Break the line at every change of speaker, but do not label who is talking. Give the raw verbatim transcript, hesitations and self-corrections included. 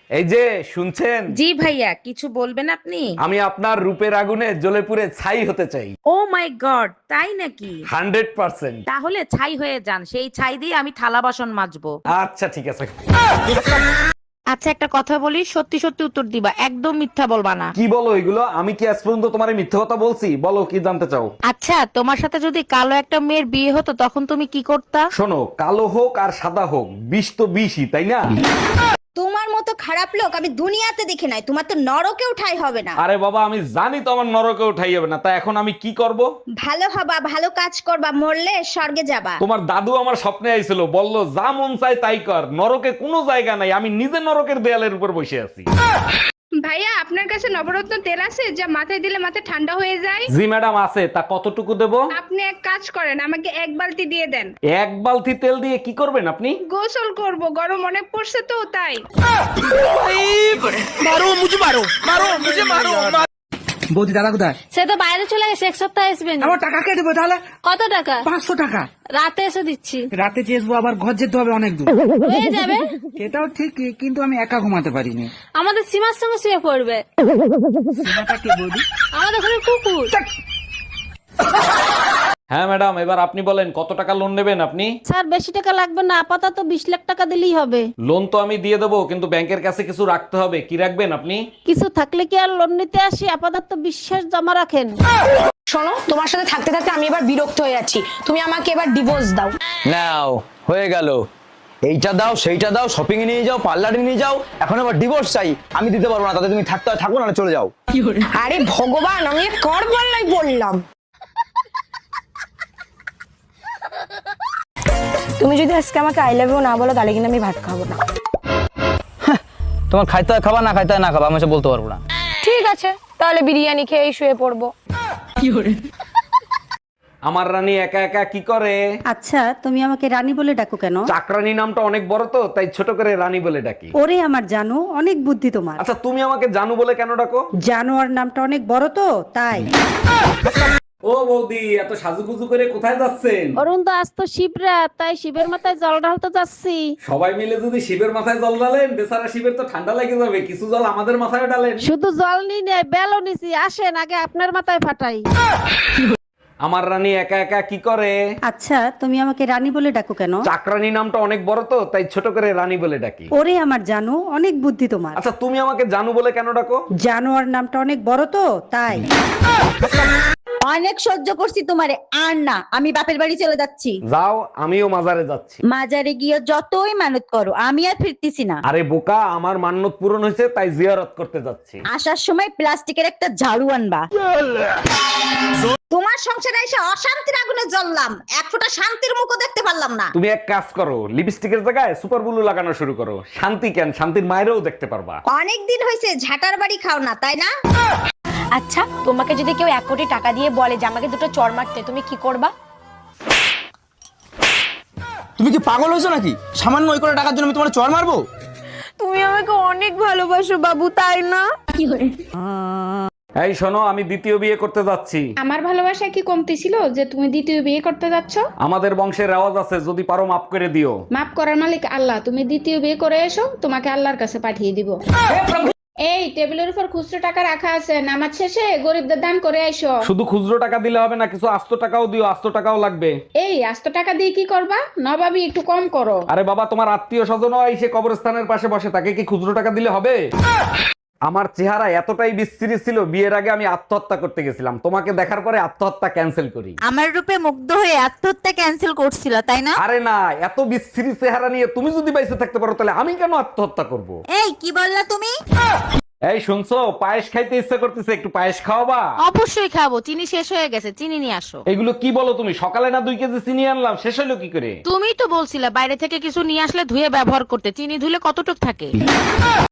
এই যে শুনছেন,
জি ভাইয়া, কিছু বলবেন আপনি?
আমি আপনার রূপের আগুনে জ্বলে পুড়ে ছাই হতে চাই।
ও মাই গড, তাই নাকি?
Hundred percent.
তাহলে ছাই হয়ে যান, সেই ছাই দিয়ে আমি থালা বাসন মাজবো।
আচ্ছা ঠিক আছে।
আচ্ছা একটা কথা বলি, সত্যি সত্যি উত্তর দিবা, একদম মিথ্যা বলবা না।
কি বলো এগুলো? আমি কি আজ পর্যন্ত তোমার মিথ্যে কথা বলছি? বলো কি জানতে চাও।
আচ্ছা, তোমার সাথে যদি কালো একটা মেয়ের বিয়ে হতো তখন তুমি কি করতা?
শোনো, কালো হোক আর সাদা হোক, বিষ তো বিষই, তাই না?
তোমার মতো খারাপ লোক আমি দুনিয়াতে দেখি নাই। তোমার তো নরকেও ঠাঁই হবে না।
আরে বাবা, আমি জানি তো আমার নরকে উঠাই যাবে না, তা এখন আমি কি করব?
ভালো হবা, ভালো কাজ করবা, মরলে স্বর্গে যাবা।
তোমার দাদু আমার স্বপ্নে আইছিল, বলল যা মন চাই তাই কর, নরকে কোনো জায়গা নাই, আমি নিজে নরকের দেয়ালের উপর বসে আছি।
ভাইয়া আপনার কাছে নবরত্ন তেল আছে যা মাথায় দিলে মাথা ঠান্ডা হয়ে যায়?
জি ম্যাডাম আছে, তা কতটুকু দেব?
আপনি এক কাজ করেন, আমাকে এক বালতি দিয়ে দেন।
এক বালতি তেল দিয়ে কি করবেন আপনি?
গোসল করব, গরম অনেক পড়ছে তো তাই।
বৌদি দাদা কোথায়?
সে তো বাইরে চলে গেছে, এক সপ্তাহ আসবে না।
আমার টাকা কে দেবো তাহলে?
কত টাকা?
পাঁচশো টাকা।
রাতে এসে দিচ্ছি।
রাতে চেয়েছবো, আবার ঘর যেতে হবে অনেক দূর।
হয়ে যাবে।
এটাও ঠিক, কিন্তু আমি একা ঘুমাতে পারিনি।
আমাদের সীমার সঙ্গে শুয়ে পড়বে।
সীমাটা কে বৌদি?
আমাদের ঘরে কুকুর।
হ্যাঁ ম্যাডাম, এবার আপনি বলেন কত টাকা লোন নেবেন আপনি?
স্যার বেশি টাকা লাগবে না, আপাতত বিশ লাখ টাকা দিলেই হবে।
লোন তো আমি দিয়ে দেবো, কিন্তু ব্যাংকের কাছে কিছু রাখতে হবে। কি রাখবেন আপনি?
কিছু থাকলে কি আর লোন নিতে আসি? আপাতত বিশ্বাস জমা রাখেন।
শোনো, তোমার সাথে থাকতে থাকতে আমি এবার বিরক্ত হয়ে যাচ্ছি। তুমি আমাকে এবার ডিভোর্স দাও।
নাও, হয়ে গেল। এইটা দাও, সেইটা দাও, শপিং এ নিয়ে যাও, পার্লারে নিয়ে যাও, এখন আবার ডিভোর্স চাই। আমি দিতে পারবো না, তাতে তুমি থাকতে হয় থাকো, না চলে যাও।
আরে ভগবান, আমি কর বললাই বললাম। তুমি যদি আজকে আমাকে আই লাভ ইউ না বলো তাহলে কিন্তু আমি ভাত খাবো না।
তোমার খাইতে হয় খাবা, না খাইতে হয় না খাবা, আমি সে বলতে পারবো না।
ঠিক আছে, তাহলে বিরিয়ানি খেয়ে শুয়ে পড়বো।
আমার রানী একা একা কি করে?
আচ্ছা, তুমি আমাকে রানী বলে ডাকো কেন?
চাকরানী নামটা অনেক বড় তো, তাই ছোট করে রানী বলে ডাকি।
ওরে আমার জানো, অনেক বুদ্ধি তোমার।
আচ্ছা তুমি আমাকে জানু বলে কেন ডাকো?
জানোয়ার নামটা অনেক বড় তো, তাই।
ও বৌদি, এত সাজুগুজু করে কোথায় যাচ্ছেন?
অরুণ দা, আজ তো শিবরাত, তাই শিবের মাথায় জল ঢালতে যাচ্ছি।
সবাই মিলে যদি শিবের মাথায় জল ঢালেন, বেচারা শিবের তো ঠান্ডা লেগে যাবে, কিছু জল আমাদের মাথায় ঢালেন।
শুধু জল নিয়ে নেই, বেলও নিছি। আসেন আগে আপনার মাথায় ফাটাই।
আমার রানী একা একা কি করে?
আচ্ছা, তুমি আমাকে রানী বলে ডাকো কেন?
চাকরানী নামটা অনেক বড় তো, তাই ছোট করে রানী বলে ডাকি।
ওরে আমার জানো, অনেক বুদ্ধি তোমার।
আচ্ছা তুমি আমাকে জানু বলে কেন ডাকো?
জানোয়ার নামটা অনেক বড় তো, তাই।
অনেক সহ্য করছি তোমারে, আর না, আমি বাপের বাড়ি চলে যাচ্ছি।
যাও, আমিও মাজারে যাচ্ছি।
মাজারে গিয়ে যতই মানত করো, আমি আর ফিরতেছি না।
আরে বোকা, আমার মান্যত পূরণ হয়েছে, তাই জিয়ারত করতে যাচ্ছি।
আসার সময় প্লাস্টিকের একটা ঝাড়ু আনবা। তোমার সংসারে এসে অশান্তির আগুনে জ্বললাম, এক ফোঁটা শান্তির মুখও দেখতে পারলাম না।
তুমি এক কাজ করো, লিপস্টিকের জায়গায় সুপার ব্লু লাগানো শুরু করো। শান্তি কেন, শান্তির মায়েরও দেখতে পারবা।
অনেক দিন হয়েছে ঝাঁটার বাড়ি খাও না, তাই না?
আচ্ছা, তোমাকে যদি কেউ এক কোটি টাকা দিয়ে বলে যে আমাকে দুটো চড় মারতে, তুমি কি করবা?
তুমি কি পাগল হয়েছো নাকি? সামান্য ওই করে টাকার জন্য আমি তোমার চড় মারবো?
তুমি আমাকে অনেক ভালোবাসো বাবু, তাই না?
এই শোনো, আমি দ্বিতীয় বিয়ে করতে যাচ্ছি।
আমার ভালোবাসা কি কমতি ছিল যে তুমি দ্বিতীয় বিয়ে করতে যাচ্ছ?
আমাদের বংশের রেওয়াজ আছে, যদি পারো মাফ করে দিও।
মাফ করার মালিক আল্লাহ, তুমি দ্বিতীয় বিয়ে করে এসো, তোমাকে আল্লাহর কাছে পাঠিয়ে দিব। এই টেবিলের উপর খুচরো টাকা রাখা আছে, নামাজ শেষে গরিবদের দান করে আইসো।
শুধু খুচরো টাকা দিলে হবে না, কিছু আস্ত টাকাও দিও, আস্ত টাকাও লাগবে।
এই আস্ত টাকা দিয়ে কি করবা? নবাবী একটু কম করো।
আরে বাবা, তোমার আত্মীয় স্বজনও এসে কবরস্থানের পাশে বসে, তাকে কি খুচরো টাকা দিলে হবে? আমার চেহারা এতটাই বিশ্রী ছিল, বিয়ের আগে আমি আত্মহত্যা করতে গেছিলাম, তোমাকে দেখার পরে আত্মহত্যা ক্যান্সেল করি।
আমার রূপে মুগ্ধ হয়ে আত্মহত্যা ক্যান্সেল করছিল, তাই না?
আরে না, এত বিশ্রী চেহারা নিয়ে তুমি যদি বাইসে থাকতে পারো, তাহলে আমি কেন আত্মহত্যা করব?
এই কি বললা তুমি?
এই শুনছো, পায়েস খাইতে ইচ্ছা করতেছে, একটু পায়েস খাওয়াবা?
অবশ্যই খাবো, চিনি শেষ হয়ে গেছে, চিনি নিয়ে আসো।
এগুলো কি বলো তুমি? সকালে না দুই কেজি চিনি আনলাম, শেষ হলো কি করে?
তুমিই তো বলছিলে বাইরে থেকে কিছু নিয়ে আসলে ধুয়ে ব্যবহার করতে, চিনি ধুলে কতটুক থাকে।